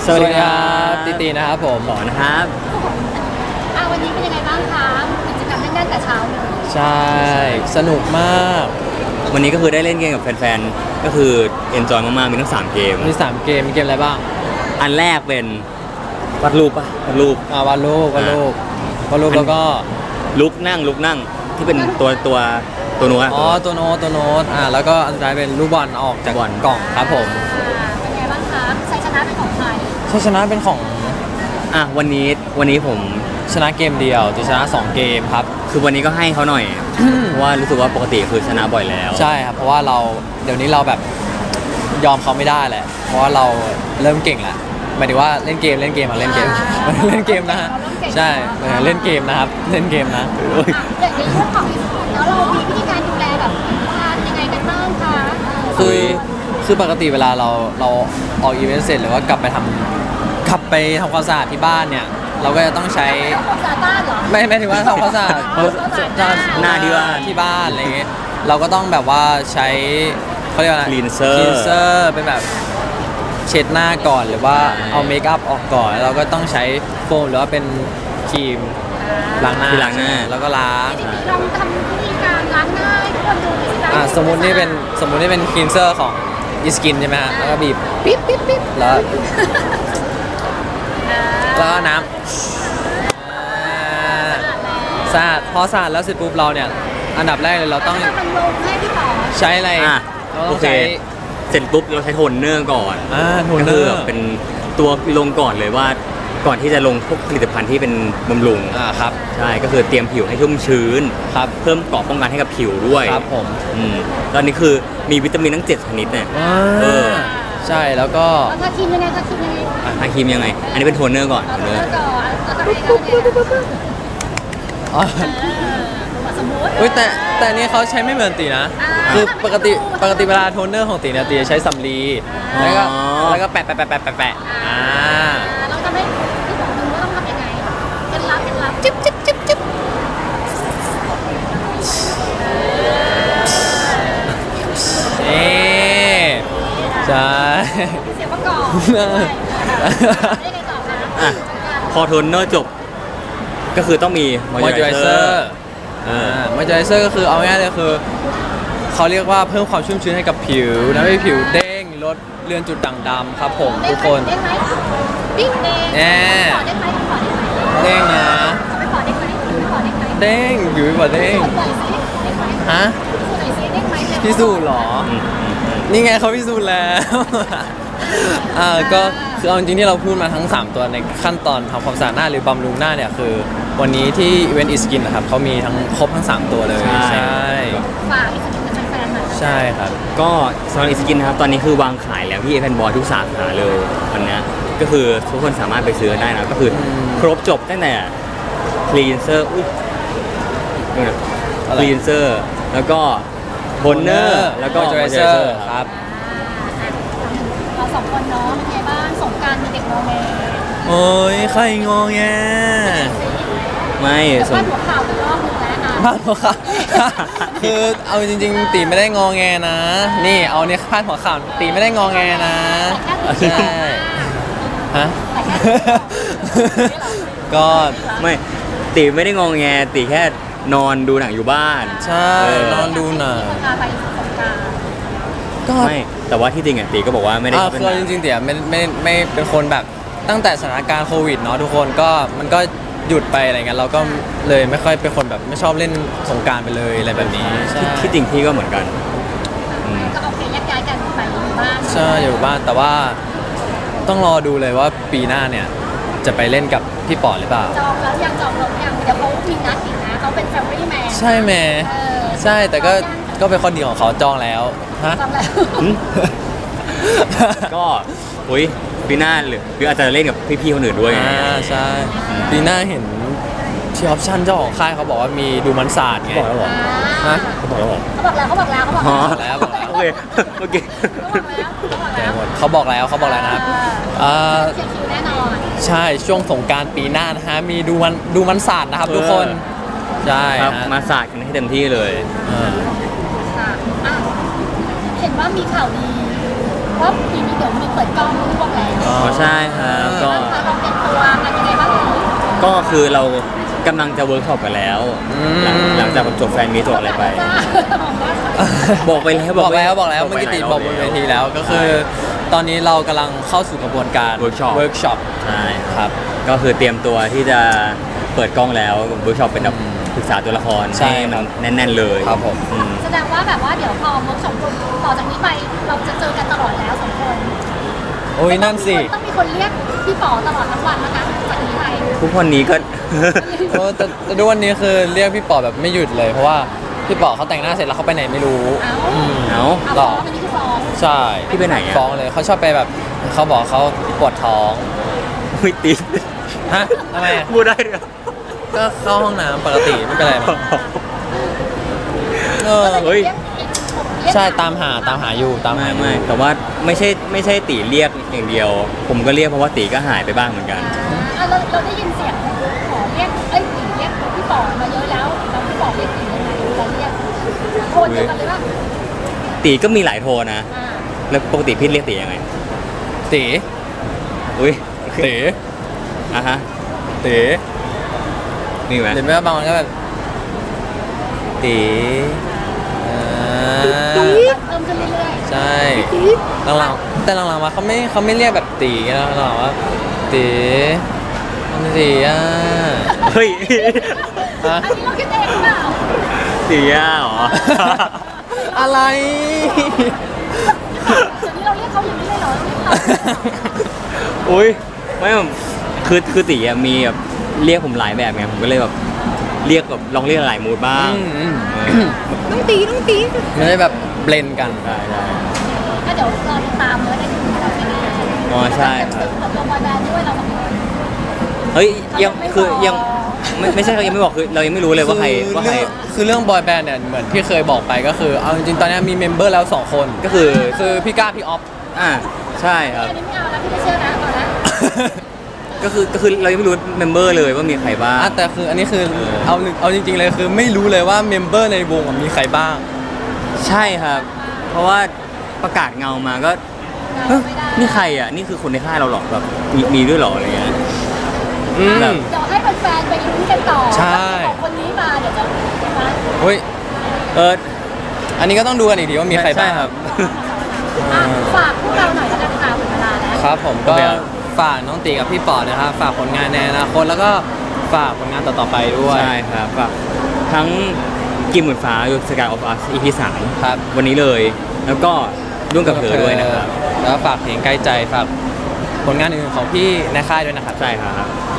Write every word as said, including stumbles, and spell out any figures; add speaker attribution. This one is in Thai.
Speaker 1: สวัสดีครับตีตีนะครับผม
Speaker 2: ต่อนะครับ
Speaker 3: อ่ะวันนี้เป็นยังไงบ้างคะกิจกรรมแน่นๆแต่เช้าเลย
Speaker 1: ใช่สนุกมาก
Speaker 2: วันนี้ก็คือได้เล่นเกมกับแฟนๆก็คือเอนจอยมากๆมีทั้งสามเกม
Speaker 1: มีสามเกมมีเกมอะไรบ้าง
Speaker 2: อันแรกเป็นวาดรูปปะวาดรูป
Speaker 1: อ่าวาดรูปวาดรูปวาดรูปแล้วก็
Speaker 2: ลุกนั่งลุกนั่งที่เป็นตัวตัวตัวโน้ต
Speaker 1: อ๋อตัวโน้ตตัวโน้ตอ่าแล้วก็อันสุดท้ายเป็นลูกบอลออกจากกล่องครับผม
Speaker 3: เป็นไงบ้างคะชัยชนะเป็นของใคร
Speaker 1: ชัยชนะเป็นของ
Speaker 2: อ่ะวันนี้วันนี้ผม
Speaker 1: ชนะเกมเดียวตีชนะสองเกมครับ
Speaker 2: คือวันนี้ก็ให้เขาหน่อยเพราะว่ารู้สึกว่าปกติคือชนะบ่อยแล้ว
Speaker 1: ใช่ครับเพราะว่าเราเดี๋ยวนี้เราแบบยอมเขาไม่ได้แหละเพราะว่าเราเริ่มเก่งแล้วหมายถึงว่าเล่นเกมเล่นเกมอ่ะเล่นเกมเล่นเกมนะฮะใช่เล่นเกมนะครับเล่นเกมนะ
Speaker 3: เด็กในเรื่องของแล้วเรามีวิธีการดูแลแบบทานยังไงกันบ้างคะ
Speaker 1: คือคือปกติเวลาเราเราออกอีเวนต์เสร็จหรือว่ากลับไปทำกลับไปทำความสะอาดที่บ้านเนี่ยเราก็จะต้องใช้
Speaker 3: ความสะอาดบ้านเหรอ
Speaker 1: ไม่ไม่ถึงว่าทำความสะอาด
Speaker 2: หน้าที่บ้าน
Speaker 1: ที่บ้านอะไรเงี้ยเราก็ต้องแบบว่าใช้เขาเรียกว่าอะไร
Speaker 2: cleanser
Speaker 1: cleanser เป็นแบบเช็ดหน้าก่อนหรือว่าเอาเมคอัพออกก่อนเราก็ต้องใช้โฟมหรือว่าเป็นครีมล้างหน้า
Speaker 2: ล้างหน้า
Speaker 1: แล้วก็ล้าง
Speaker 3: ลองทำวิธีการล้างหน้าให้ทุกคนดูหน่อยสิ
Speaker 1: อ่าสมมุตินี่เป็นสมมุตินี่เป็นคลีนเซอร์ของอีสกินใช่ไหมฮะแล้วก็บีบปิ๊บปิ๊บปิ๊บแล้วแล้วก็น้ำสะอาดพอสะอาดแล้วเสร็จปุ๊บเราเนี่ยอันดับแรกเลยเราต้องใช้อะไร
Speaker 2: โอเคเสร็จปุ๊บเราใช้โทนเนอร์ก่อน
Speaker 1: อ่าโทนเนอร์
Speaker 2: เป็นตัวลงก่อนเลยว่าก่อนที่จะลงพวกผลิตภัณฑ์ที่เป็นบำรุง
Speaker 1: อ่าครับ
Speaker 2: ใช่ก็คือเตรียมผิวให้ชุ่มชื้น
Speaker 1: ครับ
Speaker 2: เพิ่มเกราะป้องกันให้กับผิวด้วย
Speaker 1: ครับผม
Speaker 2: อืมตอนนี้คือมีวิตามินทั้งเจ็ดชนิดเนี่ย
Speaker 1: เออใช่แล้วก็
Speaker 3: ทาครีมยังไงทาครีมยังไง
Speaker 2: ทาครีมยังไงอันนี้เป็นโทนเนอร์ก่อนโทนเนอร์
Speaker 3: ก่อนแล้วก็ให้สมมติ
Speaker 1: เฮ้ยแต่แต่นี้เขาใช้ไม่เหมือนตีนะคือปกติปกติเวลาโทนเนอร์ของตีเนี่ยตีจะใช้สำลีแล้วก็แล้วก็แปะแปะแปะแปะแปะแปะอ่า
Speaker 3: เราจะไม่ที่บอกมึงว่าต้องทำยังไงเคล็ดลับเคล็ดลับจิ๊บจิ๊บจิ๊บจิ๊บ
Speaker 1: นี่ใช่
Speaker 3: เสียงประกอบได้ไงต่อคะ
Speaker 2: พอโทนเนอร์จบก็คือต้องมีมอยเจอไรเซอร์
Speaker 1: อ่ามอยเจอไรเซอร์ก็คือเอาง่ายๆเลยคือเขาเรียกว่าเพิ่มความชุ่มชื้นให้กับผิวทำให้ผิวเด้งลดเลือนจุดด่างดำครับผมทุกคน
Speaker 3: เด้งไหมปิ้งเด้ง
Speaker 1: แน่
Speaker 3: ขอเด้งไหมขอเด้งไหม
Speaker 1: เด้งนะ
Speaker 3: ไม่ขอเด้งไหมไม่ขอเด้งไหม
Speaker 1: เด้งอยู่ไม่ขอเด้งฮะพิสูจน์หรอนี่ไงเขาพิสูจน์แล้วอ่าก็คือเอาจริงที่เราพูดมาทั้งสามตัวในขั้นตอนทำความสะอาดหน้าหรือบำรุงหน้าเนี่ยคือวันนี้ที่อีเวนต์อีสกินนะครับเขามีทั้งครบทั้งสามตัวเลย
Speaker 2: ใช่
Speaker 3: ฝากอีสกินกับแฟนๆหน่อย
Speaker 1: ใช่ครับ
Speaker 2: ก็สำหรับอีสกินนะครับตอนนี้คือวางขายแล้วที่แฟนบอยทุกสาขาเลยวันนี้ก็คือทุกคนสามารถไปซื้อได้นะก็คือครบจบตั้งแต่คลีนเซอร์อุ้ยคลีนเซอร์แล้วก็โทนเนอร์แล้วก็
Speaker 1: มอยเจอไรเซอร์ครับ
Speaker 3: เราสองคนเนาะเป็นไงบ้างสงกรานต์มีเด็กงอแง
Speaker 1: โอ้ยใครงอแง
Speaker 2: ไม่
Speaker 3: สมมติหัวข่าวเป็นรอบนึงแล้วนะ
Speaker 1: พาดหัวข่าวคือเอาจริงๆตีไม่ได้งอแงนะนี่เอาเนี่ยพาดหัวข่าวตีไม่ได้งอแงนะใช่ฮะก็
Speaker 2: ไม่ตีไม่ได้งอแงตีแค่นอนดูหนังอยู่บ้าน
Speaker 1: ใช่นอนดูหนัง
Speaker 2: ก็ไม่แต่ว่าที่จริงอ่ะตีก็บอกว่าไม่ได้
Speaker 1: อ่าคือจริงๆเตี๋ยไม่ไม่ไม่เป็นคนแบบตั้งแต่สถานการณ์โควิดเนาะทุกคนก็มันก็หยุดไปอะไรเงี้ยเราก็เลยไม่ค่อยเป็นคนแบบไม่ชอบเล่นสงกรานต์ไปเลยอะไรแบบนี้
Speaker 2: ที่จริงพี่ก็เหมือนกัน
Speaker 3: ก็โอเคแยกย้ายกันไปอยู่บ้าน
Speaker 1: ใช่อยู่บ้านแต่ว่าต้องรอดูเลยว่าปีหน้าเนี่ยจะไปเล่นกับพี่ปอดหรือเปล่า
Speaker 3: จองแล้วยังจองแล้วยังเดี๋ยวเขามีนัดอีกนะเขาเป็นแฟมิลี่แมน
Speaker 1: ใช่แม่ใช่แต่ก็ก็เป็นข้อดีของเขาจองแล้วฮะ
Speaker 3: จองแล้ว
Speaker 2: ก็อุ้ยปีหน้าหรือหรืออาจจะเล่นกับพี่ๆคนอื่นด้วย
Speaker 1: อ่าใช่ปีหน้าเห็นที่ออปชั่นเจ้าของค่ายเขาบอกว่ามีดูมันศาสตร์ไง
Speaker 2: บอกแล้วเหรอ
Speaker 1: ฮะ
Speaker 2: เขาบอกแล้วเหรอ
Speaker 3: เขาบอกแล้วเขาบอกแล้วเขาบอก
Speaker 1: แล้ว
Speaker 2: โอเคโอเค
Speaker 1: เขาบอกแล้วเขาบอกแล้วนะครับ
Speaker 3: อ่าเขียนคิวแน่นอน
Speaker 1: ใช่ช่วงสงกรานต์ปีหน้านะฮะมีดูมันดูมันศาสตร์นะครับทุกคนใช่
Speaker 2: ครับมาศาสตร์กันให้เต็มที่เลย
Speaker 3: เห็นว่ามีข่าวดีว่าปีนี้เดี๋ยวมีเปิดกล้องร่วมแล้ว
Speaker 2: อ๋อใช่ครับก็
Speaker 3: เราลองเตรียมตัวกันยังไงบ้าง
Speaker 2: ก็คือเรากำลังจะเวิร์กช็อปกันแล้ว
Speaker 1: อืม
Speaker 2: หลังหลังจากจบแฟนมีตจบอะไรไป บอกไปแล้ว
Speaker 1: บอกแล้วบอกแล้ว
Speaker 2: ไป
Speaker 1: เมื่อกี้
Speaker 2: หลา
Speaker 1: ติ
Speaker 2: ย
Speaker 1: บอกบนเวทีแล้วก็คือ ตอนนี้เรากำลังเข้าสู่กระบวนการ
Speaker 2: Workshop
Speaker 1: เวิร์กช็อป
Speaker 2: ใช่
Speaker 1: ครับ
Speaker 2: ก็คือเตรียมตัวที่จะเปิดกล้องแล้วเวิร์กช็อปเป็นแบบ
Speaker 1: อืม
Speaker 2: ศึกษาตัวละคร
Speaker 1: ใช่
Speaker 2: ให้มัน
Speaker 1: ครับ
Speaker 2: แน่น ๆ เลย
Speaker 1: ครับผม
Speaker 2: อืม
Speaker 3: แสดงว่าแบบว่าเดี๋ยวพอเวิร์กช็อปต่อจากนี้ไปเราจะเจอกันตลอดแล้วสองคน
Speaker 1: โอ้ยนั่นสิ
Speaker 3: ต้องมีคนเรียกพี่ป๋อตลอดทั้งวันนะคะจากนี้ไป
Speaker 2: ทุกคนนี้ก็
Speaker 1: โอ้แต่แต่ด้วยวันนี้คือเรียกพี่ป๋อแบบไม่หยุดเลย เพราะว่าพี่ป๋อเขาแต่งหน้าเสร็จแล้วเขาไปไหนไม่รู้
Speaker 3: เอ้า
Speaker 1: อืม
Speaker 2: เอ้า
Speaker 3: เอา
Speaker 1: หร
Speaker 3: ฟ้อ
Speaker 1: อ
Speaker 3: งอันนี้คือฟ้อง
Speaker 1: ใช่
Speaker 2: พี่ไปไหนอะ
Speaker 1: ฟ้องเลยเขาชอบไปแบบเขาบอกเขาปวดท้อง
Speaker 2: ไม่ติด
Speaker 1: ฮะทำไมอะ
Speaker 2: พูดได้ด้วยเหรอ
Speaker 1: ก็เข้าห้องน้ำปกติไม่เป็นไรมั้งเออ
Speaker 2: เฮ้ย
Speaker 1: ใช่ตามหาตามหาอยู่ตามหา
Speaker 2: ไม่
Speaker 1: อยู่
Speaker 2: ไม่แต่ว่าไม่ใช่ไม่ใช่ตีเรียกอย่างเดียว ผมก็เรียกเพราะว่าตีก็หายไปบ้างเหมือนกัน
Speaker 3: อ่าเราเราได้ยินเสียงขอเรียกเอ้ยตีเรียกพี่ป๋อมาเยอะแล้วแล้วพี่ป๋อเรียกตียังไงเราเรียกโทนเดียวกันเลยว่า
Speaker 2: ตีก็มีหลายโทนนะ
Speaker 3: อ่า
Speaker 2: แล้วปกติพี่เรียกตียังไง
Speaker 1: ตี
Speaker 2: อุ้ย
Speaker 1: ตี
Speaker 2: อ่ะฮะ
Speaker 1: ตี
Speaker 2: มีไหม
Speaker 1: หรือไม่ก็บางวันก็แบบตีอ่า
Speaker 3: เพิ่มขึ้นเรื่อย
Speaker 1: ใช่หลังๆแต่หลังๆมาเขาไม่เขาไม่เรียกแบบตีนะหลังๆว่าตีมันตีอ่ะ
Speaker 2: เฮ้ย
Speaker 1: ฮะ
Speaker 3: ๆอันนี้เราคิดเองหรือเปล่า
Speaker 2: ตีอ่ะเหรอ
Speaker 1: อะไร
Speaker 3: เดี๋ยวนี้เราเรียกเขาอย่างนี้เลยเหรอเรียกเขา
Speaker 2: อุ้ยไม่ผมคือคือตีอะมีแบบเรียกผมหลายแบบไงผมก็เลยแบบเรียกแบบลองเรียกหลายมูดบ้าง
Speaker 1: อืมอืม
Speaker 2: เออ
Speaker 3: ต้องตีต้องตี
Speaker 1: ไม่ได้แบบเบลนกัน
Speaker 2: ได้ได้
Speaker 3: ก็เดี๋ยวรอติดตามเลยในกลุ่มเราที่นี่
Speaker 2: อ๋อใช่ครับ
Speaker 3: เปิดตัวบอยแบนด์ด้วยเราสองคน
Speaker 2: เฮ้ยยังคือยังไม่ไม่ใช่เขายังไม่บอกคือเรายังไม่รู้เลยว่าใครว่าใคร
Speaker 1: อคือเรื่องบอยแบนด์เนี่ยเหมือนที่เคยบอกไปก็คือเอาจริงๆตอนนี้มีเมมเบอร์แล้วสองคน
Speaker 2: ก็คือ
Speaker 1: คือพี่ก้าพี่ออฟ
Speaker 2: อ่าใช่ครับ
Speaker 3: อันนี้ไม่เอาแล้วพี่ไม่เชื่อนะเอาละ
Speaker 2: ก็คือก็คือเรายังไม่รู้เมมเบอร์เลยว่ามีใครบ้าง
Speaker 1: อ่ะแต่คืออันนี้คือ
Speaker 2: เออ
Speaker 1: เอาเอาจริง ๆเลยคือไม่รู้เลยว่าเมมเบอร์ในวงอ่ะมีใครบ้าง
Speaker 2: ใช่ครับ เพราะว่าประกาศเงามาก็เฮ้ย
Speaker 3: ไม่ได้
Speaker 2: นี่ใครอ่ะนี่คือคนในค่ายเราหรอแบบมีมีด้วยเหรออะไรเงี้ย
Speaker 1: อืม
Speaker 2: แบบ
Speaker 3: เดี๋ยวให้แฟนๆไปลุ้นกันต่อ
Speaker 1: ใช่
Speaker 3: ว่าของคนนี้มาเดี๋ยวจะมา
Speaker 1: เฮ้ย
Speaker 2: เออ
Speaker 1: อันนี้ก็ต้องดูกันอีกทีว่ามีใครบ้าง
Speaker 2: ช่ครับ
Speaker 3: อ่ะฝากพวกเราหน่อยแล้วกันค่ะหมดเวลาแล้ว
Speaker 1: ครับผมก็
Speaker 2: โอเคครับ
Speaker 1: ฝากน้องตีกับพี่ปอดนะครับฝากผลงานในอนาคตแล้วก็ฝากผลงานต่อๆไปด้วย
Speaker 2: ใช่ครับแบบทั้งกิมหมื่นฟ้าอยู่สกายออฟอัสอีพีสาม
Speaker 1: ครับ
Speaker 2: วันนี้เลย แล้วก็ร่วมกับเธอด้วยนะครับ
Speaker 1: แล้วก็ฝากเพลงใกล้ใจฝากผลงานอื่นๆของพี่ในค่ายด้วยนะครับ
Speaker 2: ใช่ครับ